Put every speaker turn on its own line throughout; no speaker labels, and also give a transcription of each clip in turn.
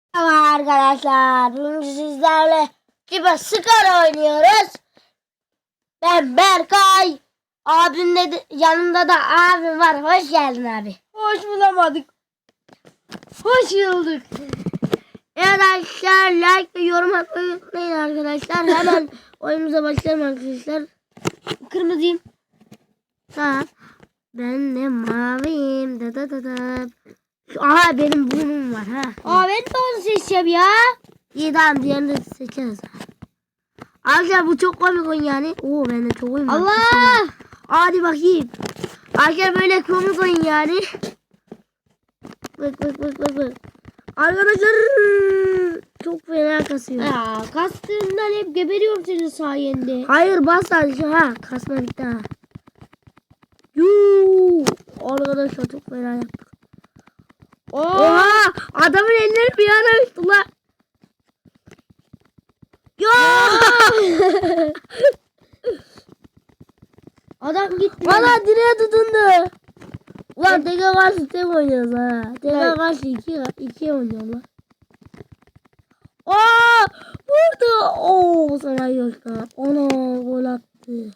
Merhaba arkadaşlar. Bugün sizlerle gibi Skor oynuyoruz. Ben Berkay. Yanımda da abim var. Hoş geldin abi.
Hoş bulamadık.
Hoş bulduk. Evet arkadaşlar, like ve yorum atmayı unutmayın arkadaşlar. Hemen oyunumuza başlayalım arkadaşlar. Kırmızıyım. Ha. Ben de maviyim. Da da da da. Aha benim burnum var ha.
Aa ben de onu seçeceğim ya.
İyi tamam, diğerini de seçeriz. Arkadaşlar bu çok komik oyun yani. Oo ben de çok oyun var.
Allah.
Hadi bakayım. Arkadaşlar böyle komik oyun yani. Bak. Arkadaşlar çok fena kasıyor.
Ya kastığımdan hep geberiyorum senin sayende.
Hayır bas sadece ha. Kasma bitti ha. Yuu. Arkadaşlar çok fena yaptık. Oha adamın elleri bir yana uçtu la. Ya.
Adam gitti.
Valla direğe tutundu. Ulan teke karşı tek oynuyoruz ha. Teke karşı iki oynuyoruz lan. Aa vurdu. Oo sana yok ha. Ona gol attı.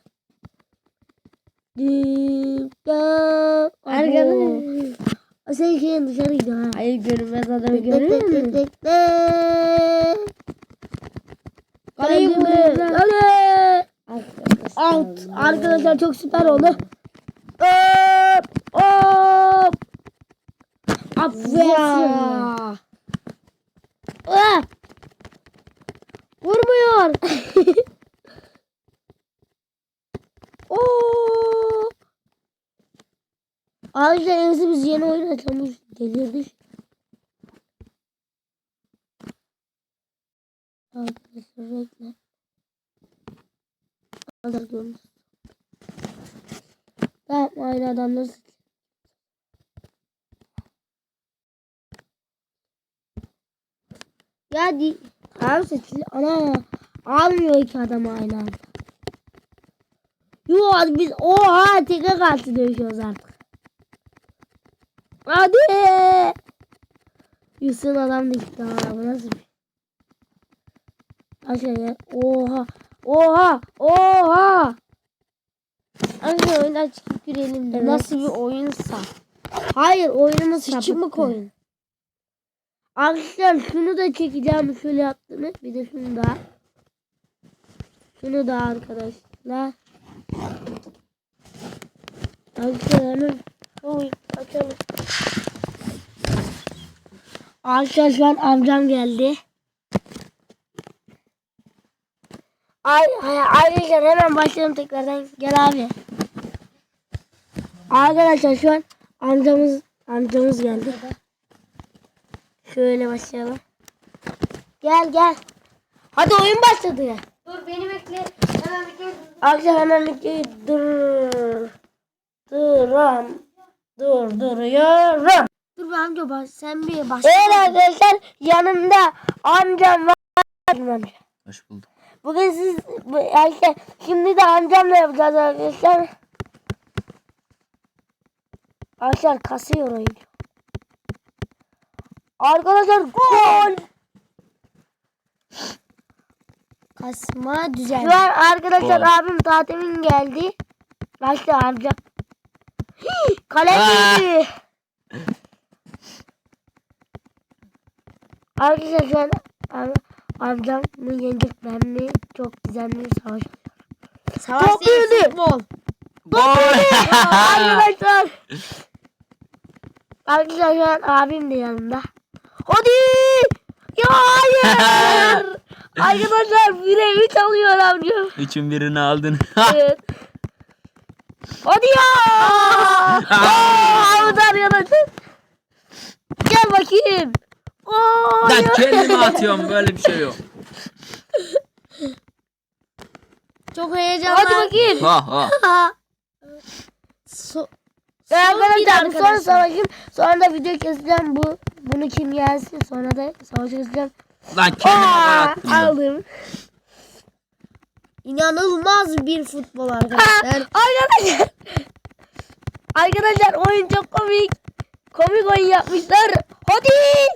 Arkadaşlar.
Sen şeyin dışarı gidiyor ha.
Hayır görünmez adamı görüyor musun? Kaleyi vuruyorlar.
Kale. Out. Arkadaşlar çok süper oldu. Hop. Aferin.
Ya.
Ah! Vurmuyor. Oo! Arkadaşlar en iyisi biz yeni oyun açalım. Delirdik. Arkadaşlar bekle. Hazır görmüş. Tamam aynı adamları seç. Ya tamam seçil. Ana almıyor iki adam aynı anda. Yo biz oha tekrar karşı dövüşüyoruz artık. Hadi. Yusuf'un adam da gitti ha. Bu nasıl bir? Aşağıya. Oha.
Anne oyundan çıkıp girelim.
Evet.
Nasıl bir oyunsa.
Hayır oyunumuz
Sıçımık oyun.
Arkadaşlar şunu da çekeceğim şöyle yaptığını. Bir de şunu da. Şunu da arkadaşlar. Arkadaşlar açalım. Arkadaşlar amcam geldi. Arkadaşlar hemen başlayalım tekrardan. Gel abi. Arkadaşlar şu an amcamız geldi. Şöyle başlayalım. Gel. Hadi oyun başladı ya.
Dur beni bekle. Hemen bekle.
Arkadaşlar hemen videoyu duruyorum. Dur be amca sen bir başla. Evet arkadaşlar yanımda amcam var. Amca.
Hoş bulduk.
Bugün arkadaşlar şimdi de amcamla yapacağız arkadaşlar. Arkadaşlar kasıyor oyun. Arkadaşlar gol.
Kasma düzen.
Şu an arkadaşlar
Gol.
abim Tatemin geldi. Başla amcam. Kale girdi. Arkadaşlar şu an amcam mı yenecek ben mi? Çok güzel bir savaş.
Savaş
Top
değil
girdi.
futbol.
Arkadaşlar. Arkadaşlar şu an abim de yanımda. Hadi. Ya hayır. Arkadaşlar 1'e 3 alıyor amcam.
Üçün birini aldın.
Evet. Hadi ya. Avudan yanacak. Gel bakayım.
Ben kendimi atıyorum, böyle bir şey yok.
Çok heyecanlı.
Hadi bakayım.
Ha.
Arkadaşlar bu son savaşım. Sonra da video keseceğim bunu kim yensin. Sonra da savaşı keseceğim.
Lan kendime gol attım ben.
Aldım.
İnanılmaz bir futbol arkadaşlar.
Arkadaşlar oyun çok komik. komik oyun yapmışlar. Hadi.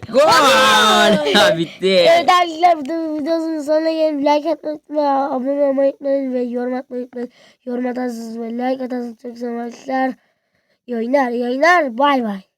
Gol. Bitti.
Evet arkadaşlar bu videonun sonuna gelin. Like atmayı unutmayın. Abone olmayı unutmayın ve yorum atmayı unutmayın. Yorum atarsınız ve like atarsınız. Çok seviyorum arkadaşlar. İyi oyunlar. Bay bay.